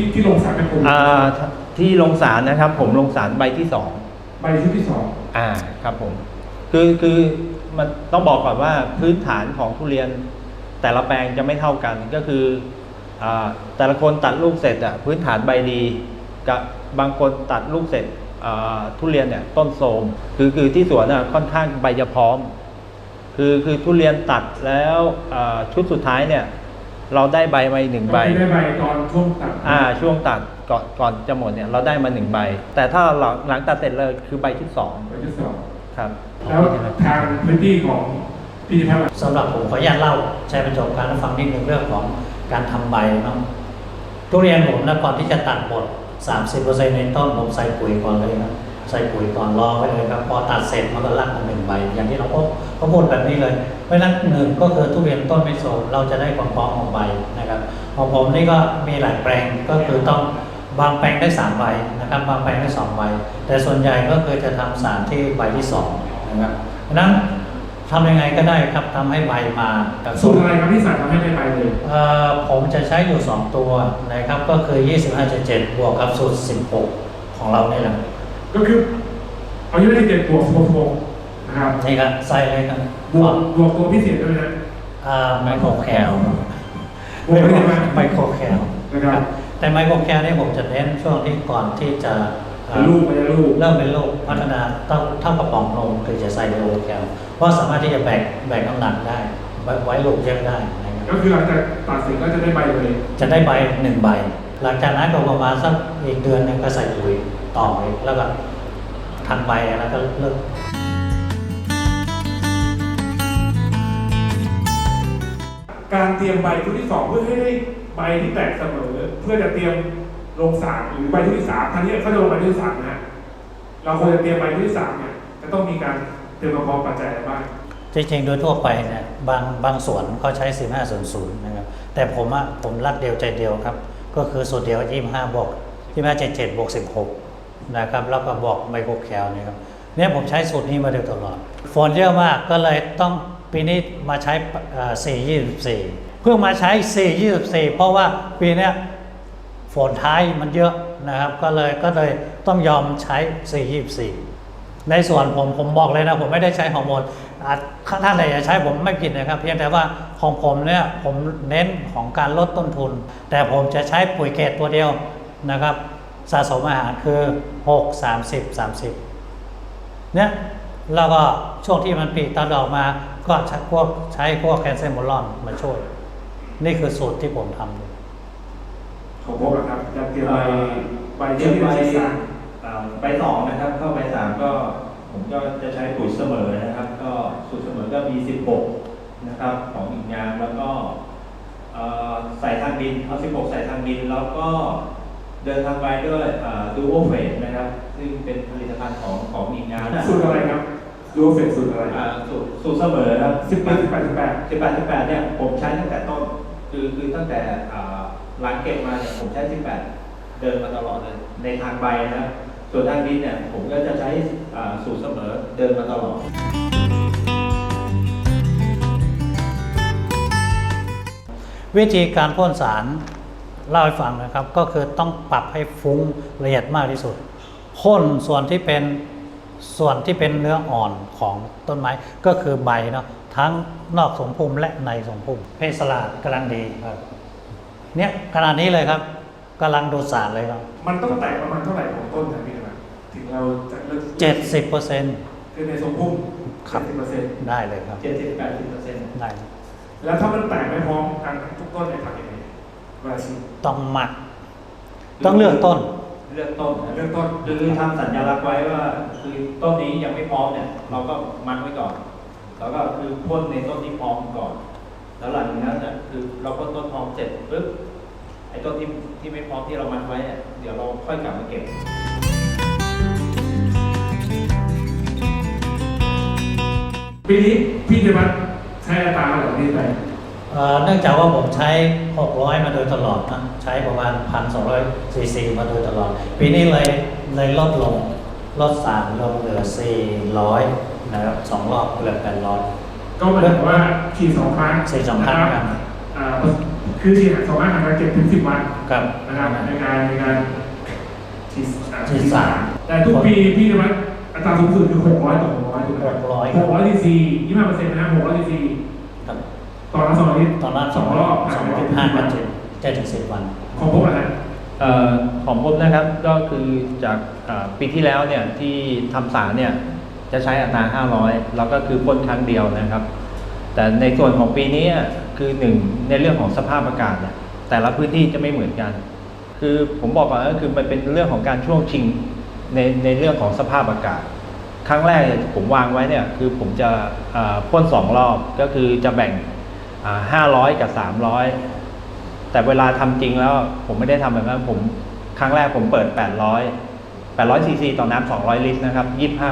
ที่ลงสารเป็นผมที่ลงสารนะครับผมลงสารใบที่สองใบที่สองครับผมคือมันต้องบอกก่อนว่าพื้นฐานของทุเรียนแต่ละแปลงจะไม่เท่ากันก็คือแต่ละคนตัดลูกเสร็จพื้นฐานใบดีกับบางคนตัดลูกเสร็จทุเรียนเนี่ยต้นโทรมคือที่สวนค่อนข้างใบจะพร้อมคือทุเรียนตัดแล้วชุดสุดท้ายเนี่ยเราได้ใบมา1 ใบได้ใบตอนช่วงตัดช่วงตัดก่อนจะหมดเนี่ยเราได้มา1 ใบแต่ถ้าหลังตัดเสร็จเลยคือใบที่2ครับแล้วทางพื้นที่ของพี่พัฒน์สำหรับผมขออนุญาตเล่าใช้ประสบการณ์ฟังนิดนึงเรื่องของการทำใบเนาะทุเรียนผมนะก่อนที่จะตัดหมด 30% ในต้นผมใส่ปุ๋ยก่อนเลยนะใส่ปุ๋ยก่อนรอไว้เลยครับพอตัดเสร็จมันก็รักมา1 ใบอย่างที่เราก็พูดแบบนี้เลยเพราะฉะนั้น1ก็คือทุเรียนต้นไม่โทรมเราจะได้ความพร้อมของใบนะครับของผมนี่ก็มีหลายแปลงก็คือต้องบางแปลงได้3 ใบนะครับบางแปลงได้2 ใบแต่ส่วนใหญ่ก็คือจะทำสารที่ใบที่2นะครับเพราะฉะนั้นทำยังไงก็ได้ครับทำให้ใบมาสูตรอะไรครับที่สารทำให้ใบเลยผมจะใช้อยู่2 ตัวนะครับก็คือ 25.7 บวกกับสูตร 16 ของเราเนี่ยแหละก็คือเอา25.7 บวก 16นะครับนี่ครับใส่เลยครับบวกตัวพิเศษด้วยนะไมโครแคลไมโครแคลนะครับแต่ไมโครแคลนี่ผมจะเน้นช่วงที่ก่อนที่จะลูกเริ่มเป็นลูกพัฒนาเท่ากระป๋องนมคือจะใส่ไมโครแคลเพราะสามารถที่จะแบกน้ำหนักได้ไว้ลูกเยอะได้นะครับก็คือหลังจากตัดสินก็จะได้ใบเลยจะได้ใบ1 ใบหลังจากนั้นก็ประมาณสักอีกเดือนนึงก็ใส่ปุ๋ยต่อไปแล้วก็ทำใบแล้วก็เลิกการเตรียมใบชุดที่2เพื่อให้ได้ใบที่แตกเสมอเพื่อจะเตรียมลงสารหรือใบชุดที่3ทันทีเขาจะลงใบชุดที่3นะเราควรจะเตรียมใบชุดที่3เนี่ยจะต้องมีการเตรียมความพร้อมปัจจัยอะไรบ้างจริงๆโดยทั่วไปเนี่ยบางสวนเขาใช้1500นะครับแต่ผมรักเดียวใจเดียวครับก็คือสูตรเดียว25บวก25.7 บวก 16นะครับแล้วก็บอกไมโครแคลนี่ครับเนี่ยผมใช้สูตรนี้มาโดยตลอดฝนเยอะมากก็เลยต้องปีนี้มาใช้4.24เพิ่งมาใช้4.24เพราะว่าปีนี้ฝนท้ายมันเยอะนะครับก็เลยต้องยอมใช้4.24ในส่วนผมบอกเลยนะผมไม่ได้ใช้ฮอร์โมนท่านใดจะใช้ผมไม่ผิดนะครับเพียงแต่ว่าของผมเนี่ยผมเน้นของการลดต้นทุนแต่ผมจะใช้ปุ๋ยเกตตัวเดียวนะครับสะสมอาหารคือ6 30 30เนี่ยแล้วก็ช่วงที่มันปีกตาดอกมาก็ใช้พวกแคนเซมโมลอนมาช่วยนี่คือสูตรที่ผมทำของผมนะครับจะเตรียมใบที่ใบ2นะครับเข้าใบ3ก็ผมก็จะใช้ปุ๋ยเสมอนะครับก็สูตรเสมอก็มี16นะครับของอีกงานแล้วก็ใส่ทางดินเอา16ใส่ทางดินแล้วก็เดินทางไปด้วยดูโอเฟสนะครับซึ่งเป็นผลิตภัณฑ์ของอีกงานสูตรอะไรครับดูโอเฟสสูตรอะไรสูตรเสมอครับ 18 เนี่ยผมใช้ตั้งแต่ต้นคือตั้งแต่หลังเก็บมาเนี่ยผมใช้18เดินมาตลอดเลยในทางใบนะครับส่วนทางดินเนี่ยผมก็จะใช้สูตรเสมอเดินมาตลอดวิธีการพ่นสารเล่าให้ฟังนะครับก็คือต้องปรับให้ฟุ้งละเอียดมากที่สุดพ่นส่วนที่เป็นเนื้ออ่อนของต้นไม้ก็คือใบเนาะทั้งนอกสมพุ่มและในสมพุ่มเพศสลาดกำลังดีครับเนี่ยขนาดนี้เลยครับกำลังดูดสารเลยครับมันต้องแตกประมาณเท่าไหร่ของต้นนะพี่นะถึงเราจะเลิก 70% คือในสมพุ่ม 70%ได้เลยครับ 70-80% ได้แล้วถ้ามันแตกไม่พร้อมกันทุกต้นในทางยังไงต้องหมักต้องเลือกต้นคือทำสัญลักษณ์ไว้ว่าคือต้นนี้ยังไม่พร้อมเนี่ยเราก็มัดไว้ก่อนแล้วก็คือพ่นในต้นที่พร้อมก่อนแล้วหลังจากนั้นเนี่ยคือเราพ่นต้นพร้อมเสร็จปุ๊บไอ้ต้นที่ไม่พร้อมที่เรามัดไว้เนี่ยเดี๋ยวเราค่อยกลับมาเก็บปีนี้พี่จะมาใช้อัตราเหล่านี้ไปเนื่องจากว่าผมใช้600มาโดยตลอดนะใช้ประมาณ 1,200 ซีซีมาโดยตลอดปีนี้เลยลดลงลด3ลงเหลือ400นะครับ2 รอบเหลือ800 ก็หมายถึงว่าขี่2 ครั้งกันคคือฉีดสามารถทำงาน7 ถึง 10 วันครับนะครับในการฉีดสารแต่ทุกปีพี่จะมัดอัตราสูงสุดคือ600 ต่อ 100ถูกไหมครับ 600 ซีซี25%นะฮะ600 ซีซีครับต่อละ2 ลิตรตอนนั้น 2 รอบ 2.5 กับ7ถึง 10 วันของพวกอะไรของผมนะครับก็คือจากปีที่แล้วเนี่ยที่ทำสารเนี่ยจะใช้อัตรา500แล้วก็คือพ่นครั้งเดียวนะครับ แต่ในส่วนของปีนี้คือหนึ่งในเรื่องของสภาพอากาศเนี่ยแต่ละพื้นที่จะไม่เหมือนกัน คือผมบอกก่อนก็คือมันเป็นเรื่องของการช่วงชิงในเรื่องของสภาพอากาศ ครั้งแรกผมวางไว้เนี่ยคือผมจะพ่น2 รอบก็คือจะแบ่ง500 กับ 300แต่เวลาทำจริงแล้วผมไม่ได้ทำแบบนั้นผมครั้งแรกผมเปิด800 ซีซีต่อน้ำ200 ลิตรนะครับ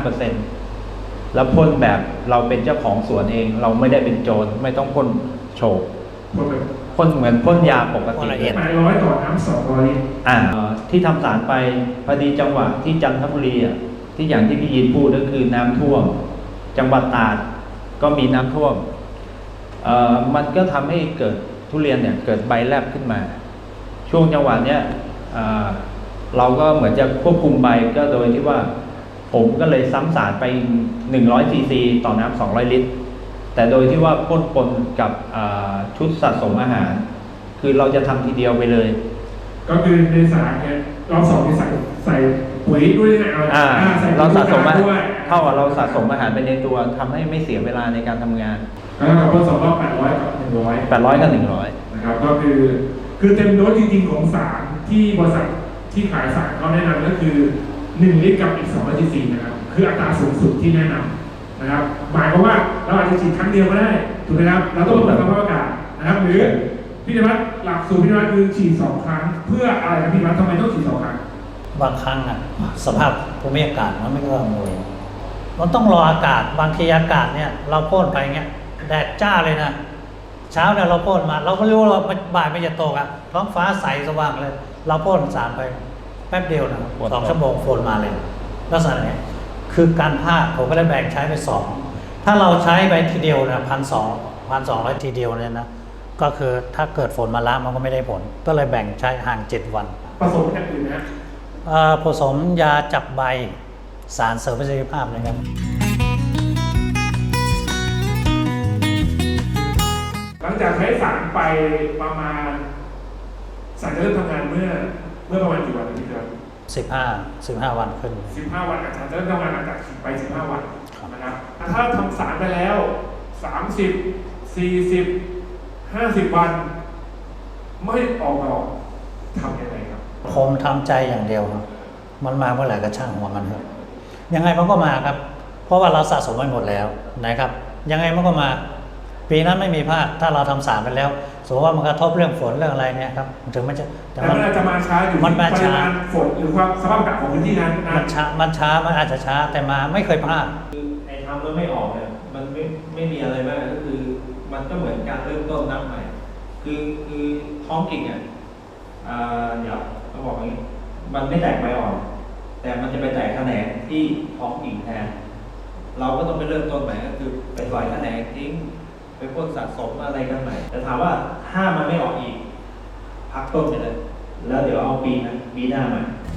25%แล้วพ่นแบบเราเป็นเจ้าของสวนเอง เราไม่ได้เป็นโจรไม่ต้องพ่นโฉบคนแบบพ่นเหมือนพ่นยาปกติพ่นละเอียด 800 ต่อน้ำ200 ลิตรที่ทำสารไปพอดีจังหวะที่จันทบุรีที่อย่างที่พี่ยินพูดก็คือน้ำท่วมจังหวัดตราดก็มีน้ำท่วมมันก็ทำให้เกิดทุเรียนเนี่ยเกิดใบแลบขึ้นมา ช่วงจังหวะเนี้ยเราก็เหมือนจะควบคุมใบก็โดยที่ว่าผมก็เลยซ้ำสารไป100 ซีซีต่อน้ำ200 ลิตรแต่โดยที่ว่าพ่นปนกับชุดสะสมอาหาร คือเราจะทำทีเดียวไปเลยก็คือในสารเนี่ยรอบ2ที่ใส่ปุ๋ยด้วยนะใส่เราสะสมอาหารด้วยเท่ากับเราสะสมอาหารไปในตัวทำให้ไม่เสียเวลาในการทำงานแล้วก็พ่น2 รอบ 800 กับ 100 800 กับนะครับก็คือเต็มโดสจริงๆของสารที่บริษัทที่ขายสารเขาแนะนำก็คือ1 ลิตรกับอีก200 ซีซีนะครับคืออัตราสูงสุดที่แนะนำนะครับหมายความว่าเราอาจจะฉีดครั้งเดียวก็ได้ถูกไหมครับเราต้องลดสภาพอากาศนะครับหรือพี่นวัดหลักสูตรพี่นวัดคือฉีด2 ครั้งเพื่ออะไรครับพี่นวัดทำไมต้องฉีด2 ครั้งบางครั้งสภาพภูมิอากาศมันไม่เอื้ออำนวยมันต้องรออากาศบางทีอากาศเนี่ยเราพ่นไปเงี้ยแดดจ้าเลยนะเช้าเนี่ยเราพ่นมา เราก็รู้ว่าบ่ายไม่จะตกท้องฟ้าใสสว่างเลย เราพ่นสารไปแป๊บเดียวนะ2 ชั่วโมงฝนมาเลยลักษณะนี้คือการพลาดผมก็ได้แบ่งใช้ไป2ถ้าเราใช้ไปทีเดียวนะ1,200 ทีเดียวเนี่ยนะก็คือถ้าเกิดฝนมาล้ามันก็ไม่ได้ผล ก็เลยแบ่งใช้ห่าง7 วันผสมอย่างอื่นนะผสมยาจับใบสารเสริมประสิทธิภาพนะครับหลังจากใช้สารไปประมาณสารจะเริ่มทำงานเมื่อประมาณกี่วันพี่ครับ 15 วันขึ้น 15 วันอาจารย์จะเริ่มทำงานหลังจากฉีดไป15 วันนะครับถ้าทำสารไปแล้ว30 40 50 วันไม่ออกมาออกทำยังไงครับผมทำใจอย่างเดียวครับมันมาเมื่อไหร่ก็ช่างหัวมันครับยังไงมันก็มาครับ เพราะว่าเราสะสมไว้หมดแล้วนะครับ ยังไงมันก็มา ปีนั้นไม่มีพลาดถ้าเราทำสารไปแล้วสมมติว่ามันกระทบเรื่องฝนเรื่องอะไรเนี่ยครับถึงมันจะแต่มันอาจจะมาช้าอยู่มันมาปริช้ามาณฝนหรือความสภาพอากาศของพื้นที่นั้นนะมันช้ามันอาจจะช้าแต่มาไม่เคยพลาดคือไอ้ทำแล้วไม่ออกเนี่ยมันไม่มีอะไรมากก็คือ มันก็เหมือนการเริ่มต้นนับใหม่ คือท้องกิ่งเดี๋ยวต้องบอกอย่างนี้มันไม่แตกใบอ่อน แต่มันจะไปแตกแขนงที่ท้องกิ่งแทน เราก็ต้องไปเริ่มต้นใหม่ก็คือไปปล่อยแขนงทิ้งไปพ่นสะสมอะไรกันใหม่แต่ถามว่าถ้ามันไม่ออกอีก พักต้นไปเลย แล้วเดี๋ยวเอาปีหน้ามา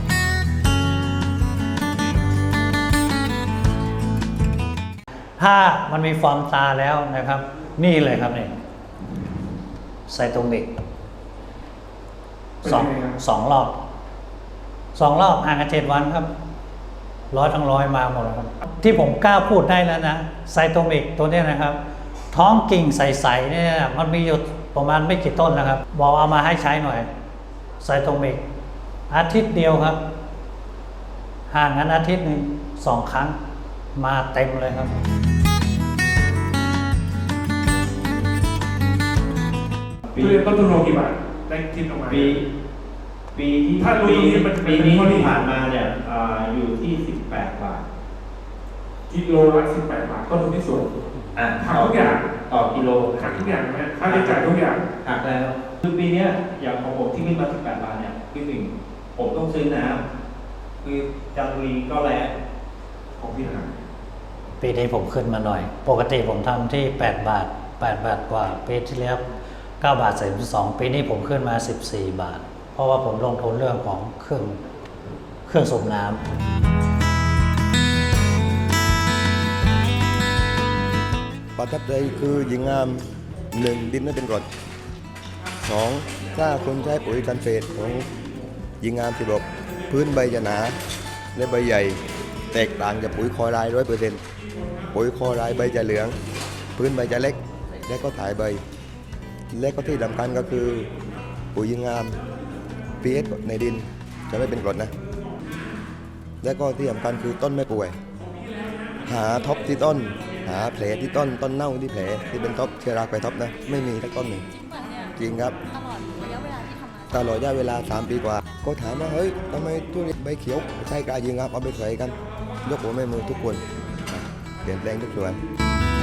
ถ้ามันมีฟอร์มตาแล้วนะครับ นี่เลยครับนี่ไซโตมิกสองรอบห่างกัน7 วันครับ100 ทั้ง 100มาหมดแล้วครับที่ผมกล้าพูดได้แล้วนะไซโตมิกตัวนี้นะครับ ท้องกิ่งใสๆเนี่ยมันมีอยู่ประมาณไม่กี่ต้นนะครับ บอกเอามาให้ใช้หน่อยไซโตมิกอาทิตย์เดียวครับ ห่างกันอาทิตย์หนึ่ง2 ครั้งมาเต็มเลยครับทุเรียนต้นทุนโลกี่บาทได้คิดออกมาปีที่ถ้ารู้ตรงนี้มันปีนี้เป็นข้อดีที่ผ่านมาเนี่ยอยู่ที่18 บาทกิโลละ18 บาทต้นทุนที่สูง หักทุกอย่างต่อกิโลหักทุกอย่างนะค่าใช้จ่ายทุกอย่างหักแล้วคือปีเนี้ยอย่างของผมที่ขึ้นมา18 บาทเนี่ยคือ1ผมต้องซื้อน้ำคือจันทบุรีก็แรงของพี่นะปีนี้ผมขึ้นมาหน่อย ปกติผมทำที่8 บาท 8 บาทกว่าปีที่แล้ว 9 บาท42ปีนี้ผมขึ้นมา 14 บาท เพราะว่าผมลงทุนเรื่องของเครื่องสูบน้ำประทับใจคือยิงงาม 1. ดินไม่เป็นกรด 2. ถ้าคนใช้ปุ๋ยกันเศษของยิงงามที่บอกพื้นใบจะหนาและใบใหญ่แตกต่างจากปุ๋ยคอไรด์100%ปุ๋ยคอไรด์ใบจะเหลือง พื้นใบจะเล็กและก็ถ่ายใบ และก็ที่สำคัญก็คือปุ๋ยยิงงาม pH ในดินจะไม่เป็นกรดนะ และก็ที่สำคัญคือต้นไม่ป่วย หาท็อปที่ต้น หาแผลที่ต้นเน่าที่แผลที่เป็นท็อปเชื้อราไปท็อปนะไม่มีสักต้นหนึ่งจริงป่ะเนี่ยจริงครับตลอดระยะเวลาที่ทำมาตลอดระยะเวลา3 ปีกว่า ก็ถามว่าเฮ้ยทำไมทุเรียนใบเขียวใช่กายิงครับเอาไปใส่กัน ยกหัวแม่มือทุกคนเปลี่ยนแปลงทุกส่วน